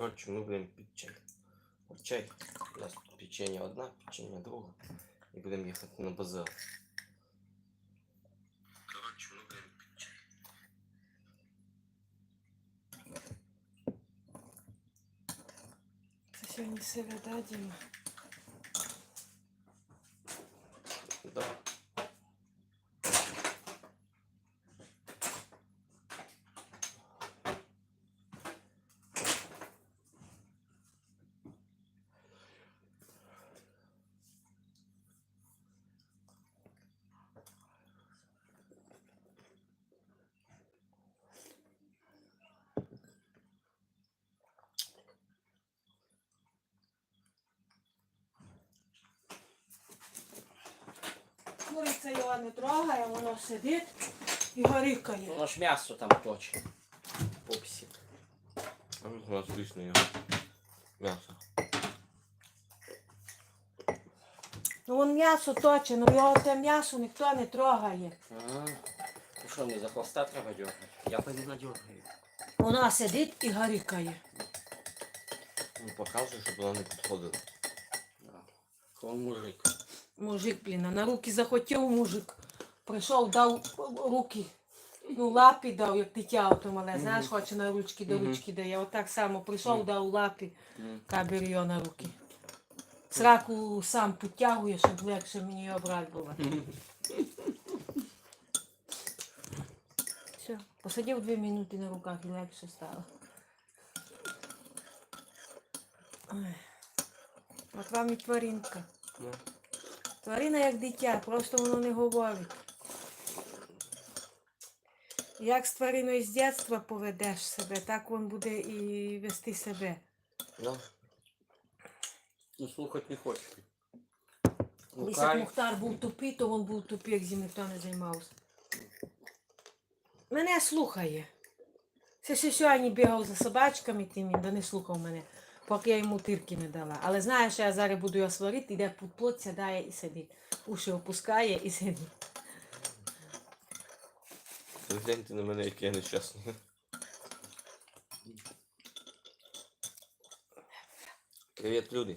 Коротше, ми будемо пити чай. От чай. У нас тут печенье одна, печенье друга. І будемо їхати на базар. Коротше, ми будемо пити чай. Це сьогодні середа, Діма. Да. Куриця його не трогає, воно сидить і горикає. Воно ж м'ясо там точить. Пупсик. А у нас вкусне його м'ясо. Ну вон м'ясо точить, ну його те м'ясо ніхто не трогає. Ага. Ну що, не за хвоста треба дергати? Я пойду надергаю. Вона сидить і горикає. Ну, показує, щоб вона не підходила. Он мужик. Мужик, блін, а на руки захотів мужик. Прийшов, дав руки. Ну, лапі дав, як дитя ото мале, знаєш, хоче на ручки до ручки дає. Отак само прийшов, дав лапі, кабір його на руки. Сраку сам підтягує, щоб легше мені його брати було. Все, посадив 2 минути на руках і легше стало. Ой. От вам і тваринка. Тварина як дитя, просто воно не говорить. Як з твариною з дитинства поведеш себе, так він буде і вести себе. Ну, Ну слухати не хоче. Колись як Мухтар був тупий, то він був тупий, як зі ніхто не займався. Мене слухає. Все сьогодні бігав за собачками, тим він, да не слухав мене, поки я йому тирки не дала. Але знає, що я зараз буду його сварити, йде під плот, сідає і сидить. Уші опускає і сидить. гляньте на мене, який я нещасний. Привіт, люди.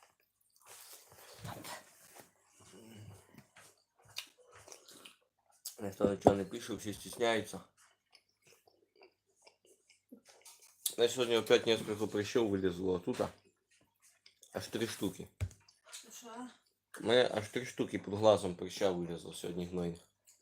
Ніхто нічого не пише, всі стісняються. Я сьогодні опять несколько прыщів вилізло оттуда. Аж 3 штуки. Що? У мене аж 3 штуки під глазом прыща вилізло сьогодні гнойних.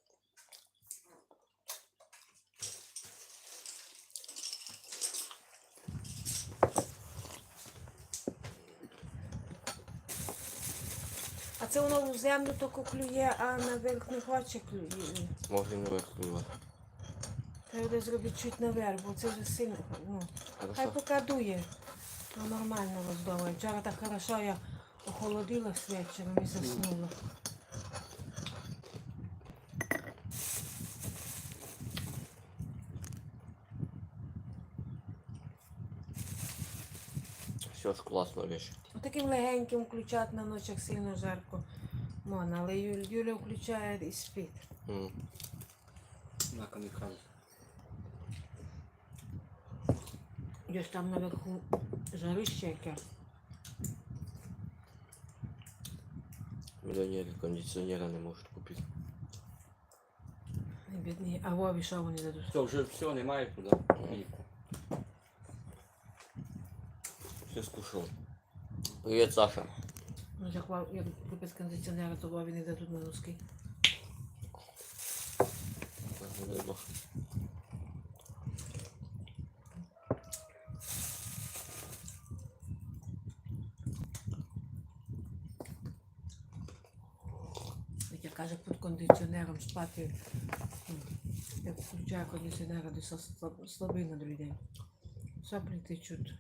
А це воно в землю тільки клює, а наверх не хоче клює. Може не вихлювати. Треба зробити чуть наверх, бо це вже сильно. Ну. Хай Хорошо? поки дує. Ну, нормально роздовує. Вчора так хорошо я охолодила з вечором і заснула. Все ж класна вещь. Таким легеньким включати на ночах сильно жарко. Можна, але Юля включає і спить. На камікадзе. Десь там наверху жарище яке. Мільйонери кондиціонера не можуть купити. Бідні. А Вові що вони дадуть? Все, немає куди. Все скушав. Привіт, Саша. Ну, як купить кондиціонера, то Вові не дадуть на носки. Як я каже, під кондиціонером спати, як включає кондиціонера, десь слабий на другий день. Соплі течуть.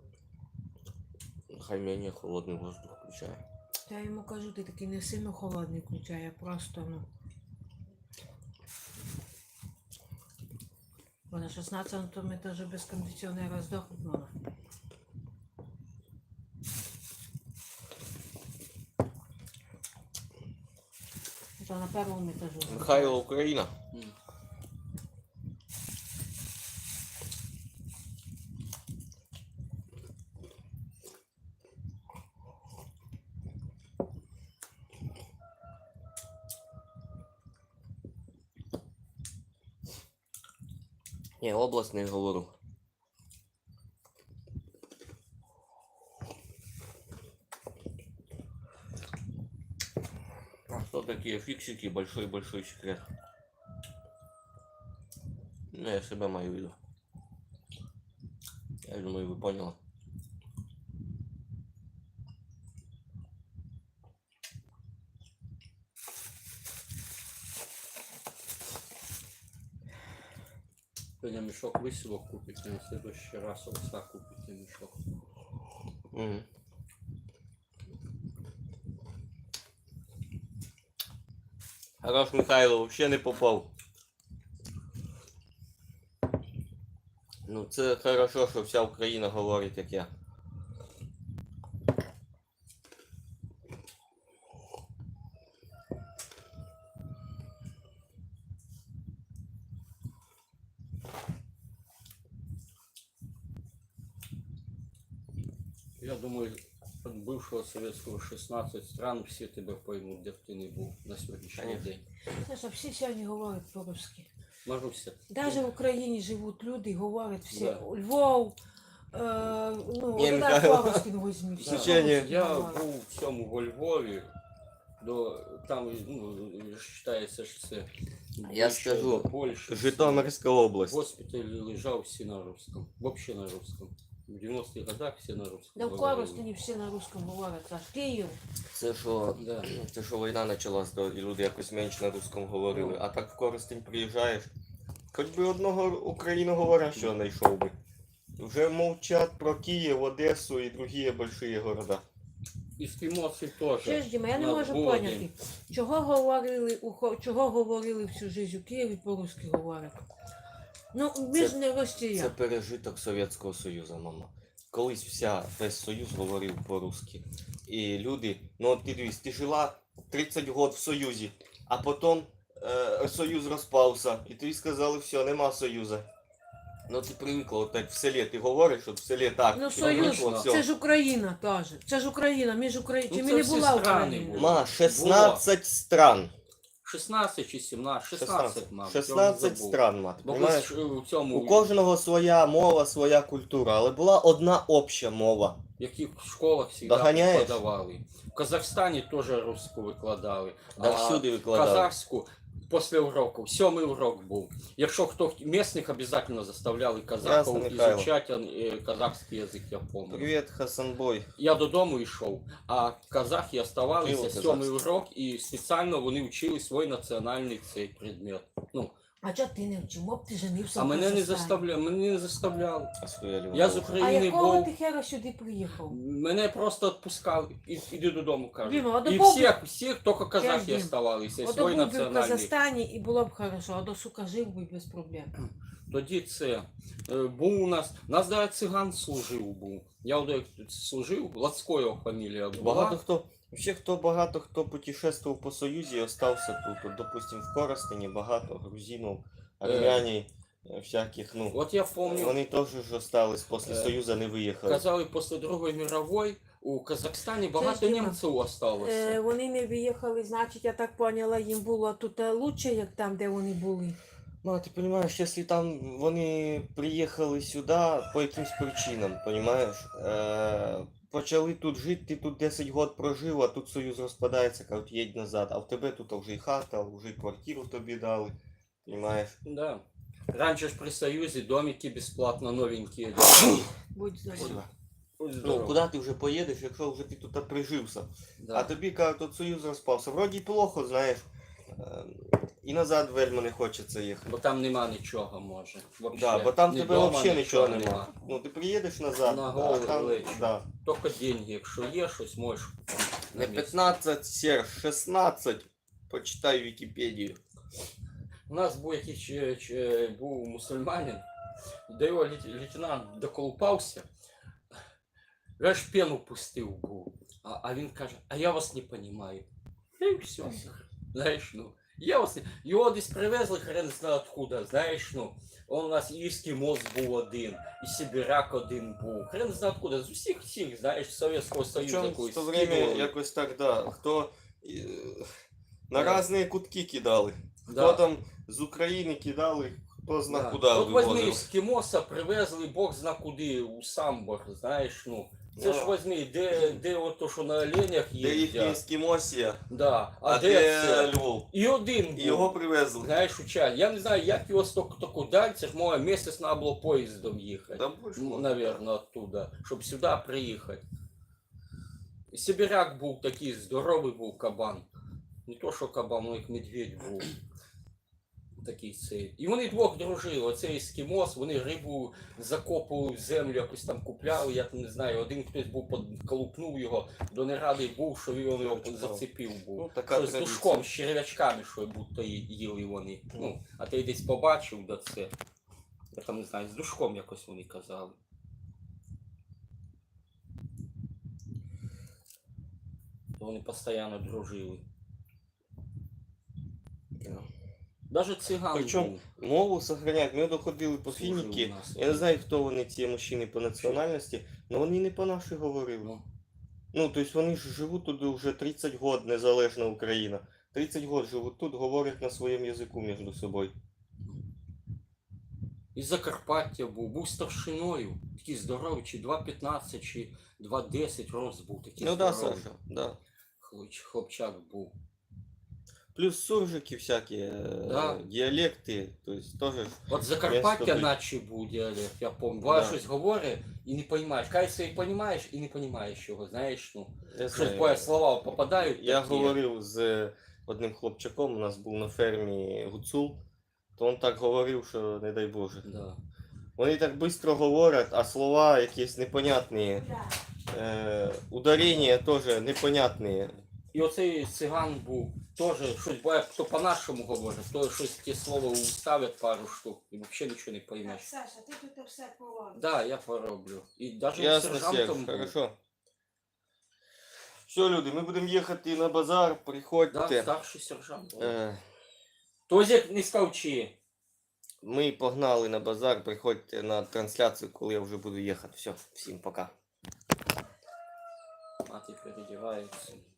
Хай менее холодний воздух включає. Я йому кажу, ти такий не сильно холодний включає, а просто, ну. Бо на 16-му етажі без кондиціонера здохнуть можна. Це на першому етажі. Михайло, Україна. Ні, область не говорю. А что такие фиксики? Большой-большой секрет. Ну, я себя мою виду. Я думаю, вы поняли. Сегодня мешок выселок купить, а на следующий раз овса купить мешок. Мгм. Хорош Михайло вообще не попав. Ну це хорошо, що вся Україна говорить, як я. Я думаю, от бывшего советского 16 стран все тебя поймут, де б ти не був на сьогоднішній Конечно. день. Знаєш, а всі сьогодні говорять по-русски. Маруся, Навіть в Україні живуть люди, говорять всі. Да. Львов, ну, Ні, Олег Михайло. Павловський возьми. Всі Звичайно. по-русски я говорять. був в цьому во Львові, там вважається, що це Я ближче скажу, до Польщі. Житомирська область. Госпіталь лежав всі на русском, вообще на русском. В 90-х годах всі на русском. Да в говорили. Коростені всі на русском говорять. Аж Київ. Да. Це що війна почалась, то і люди якось менше на русском говорили. А так в Коростень приїжджаєш, хоч би одного україноговорящого знайшов би. Вже мовчать про Київ, Одесу і другі великі города. Ескімоси теж. Що ж, Діма, я не У нас можу був поняти, один. чого говорили всю життя у Києві по-русски говорять. Ну, ми Це- ж не Це Росія. пережиток Совєтського Союзу, мама. Колись весь Союз говорив по-русски. І люди, ну от ти дивись, ти жила 30 років в Союзі, а потім Союз розпався, і тобі сказали, все, нема Союзу. Ну ти привикла, от так в селі ти говориш, от в селі так. Ну, ти Союз, привикла, це все. ж Україна теж. Це ж Україна, між Україною. Ну, Ми це не всі була страни Україна. були. Ма, 16 стран. 16 чи 17, 16, мабуть. 16 стран, мати, Бо понимаєш? у цьому, У кожного своя мова, своя культура, але була одна обща мова. в яких школах завжди Доганяєш? викладали. В Казахстані теж русську викладали. Да всюди викладали. Казахську після уроку, 7-й урок був. Якщо хто місних обов'язково заставляли казахів Ясно, Михайло. ізучати казахський язик, я пам'ятаю. Привіт, Хасанбой. Я додому йшов, а казахи оставалися Криво 7-й казахський. урок і спеціально вони вчили свій національний цей предмет. Ну, А чого ти не вчив? Моб ти женився а в мене не Казахстані. заставляли, мене не заставляли. А стояли Я з вокруг. А України якого був. ти хера сюди приїхав? Мене просто відпускали. Іди додому, кажуть. Діма, а І до всіх тільки казахи Дім. оставалися, і Ото свій був би в національний. Казахстані і було б хорошо, а до сука жив би без проблем. Тоді це був у нас навіть циган служив був. Я от як служив, Лацько його фамілія була. Багато хто путешествував по Союзі і остався тут. От, допустим, в Коростені багато грузинів, армяні, всяких, ну. От я пам'ятаю, Вони теж ж остались, після Е, Союзу не виїхали. казали, після Другої мірової у Казахстані багато Діма. німців осталося. Вони не виїхали, значить, я так поняла, їм було тут лучше, як там, де вони були. Ну, а ти розумієш, якщо там вони приїхали сюди по якимсь причинам, розумієш? Почали тут жити, ти тут 10 років прожив, а тут Союз розпадається, кажуть, їдь назад. А в тебе тут вже і хата, вже і квартиру тобі дали, розумієш? Да. Раніше ж при Союзі домики безплатно новенькі. Будь здоров. Ну, куди ти вже поїдеш, якщо вже ти тут прижився? Да. А тобі кажуть, тут Союз розпався. Вроді й плохо, знаєш. І назад вельми не хочеться їхати. Бо там нема нічого, може. Вообще. Да, бо там Ні тебе дома, взагалі нічого нема. нема. Ну ти приїдеш назад, На а голову там, лечу. да. Тільки деньги, якщо є щось, можеш. Не 15, Серж, 16. Почитай Вікіпедію. У нас був якийсь був мусульманин, до його лейтенант доколупався, аж пену пустив був. А він каже, а я вас не розумію. І все. Знаєш, ну. Я вас не... Його десь привезли, хрен знає откуда, знаєш, ну. Он у нас і ескімос був один, і сибіряк один був. Хрен знає откуда, з усіх, знаєш, Совєтського Союзу Причому в якогось то время скидували. якось так, да, хто на Да. різні кутки кидали. Хто Да. там з України кидали, хто зна Да. куди От возьми вивозив. ескімоса, привезли Бог зна куди, у Самбор, знаєш, ну. Це ж Ну. возьми, де ото, що на оленях Де їхня їздять. ескімосія, Да. а де де це? Львов. І один І був. його привезли. Знаєш, у чай. Я не знаю, як його стільки далі, це ж може місяць треба було поїздом їхати. Там більше Ну, було. наверное, оттуда, щоб сюди приїхати. І Сибіряк був такий, здоровий був кабан. Не то, що кабан, ну як медведь був. Такий цей. І вони двох дружили. Оцей ескімос, вони рибу закопували в землю, якось там купляли, я там не знаю. Один хтось був колупнув його, до нерадий був, що він його зацепив був. Ну, така Що з традиція. душком, з черв'ячками, що будто їли вони. Ну, а ти десь побачив, да це. Я там не знаю, з душком якось вони казали. Вони постійно дружили. Да. Даже циган Причому був. мову сохраняють. Ми доходили по Служив фініки. у нас. Я не знаю, хто вони ці мужчини по національності, але вони не по нашій говорили. Ну, Ну, тобто вони ж живуть тут вже 30 років, незалежна Україна. 30 років живуть тут, говорять на своєму язику між собою. із Закарпаття був старшиною. Такий здоровий, чи 2,15, чи 2,10 рост був. Такий Ну да, здоровий. Саша, да. Хлопчак був. Плюс суржики всякі, Да. діалекти, тобто теж. От Закарпаття тобі- наче був діалект, я пам'ятаю. Да. Буває щось говорить і не розумієш. Кажеться, і розумієш, і не розумієш його, знаєш, ну. Я Щось знаю. буває, слова попадають. Я такі. говорив з одним хлопчаком, у нас був на фермі гуцул, то він так говорив, що не дай Боже. Да. Вони так швидко говорять, а слова якісь непонятні. Ударення теж непонятні. І оцей циган був теж щось буває, хто по-нашому говорить, то щось ті слова уставить пару штук і взагалі нічого не Так, поймеш. Саша, ти тут все поробиш. Да, я пороблю. І навіть Ясно, сержантом Серж, був. хорошо. Все, люди, ми будемо їхати на базар, Да, приходьте. старший сержант був. Тозик не скавчи. Ми погнали на базар, приходьте на трансляцію, коли я вже буду їхати. Все, всім пока. Мати передівається.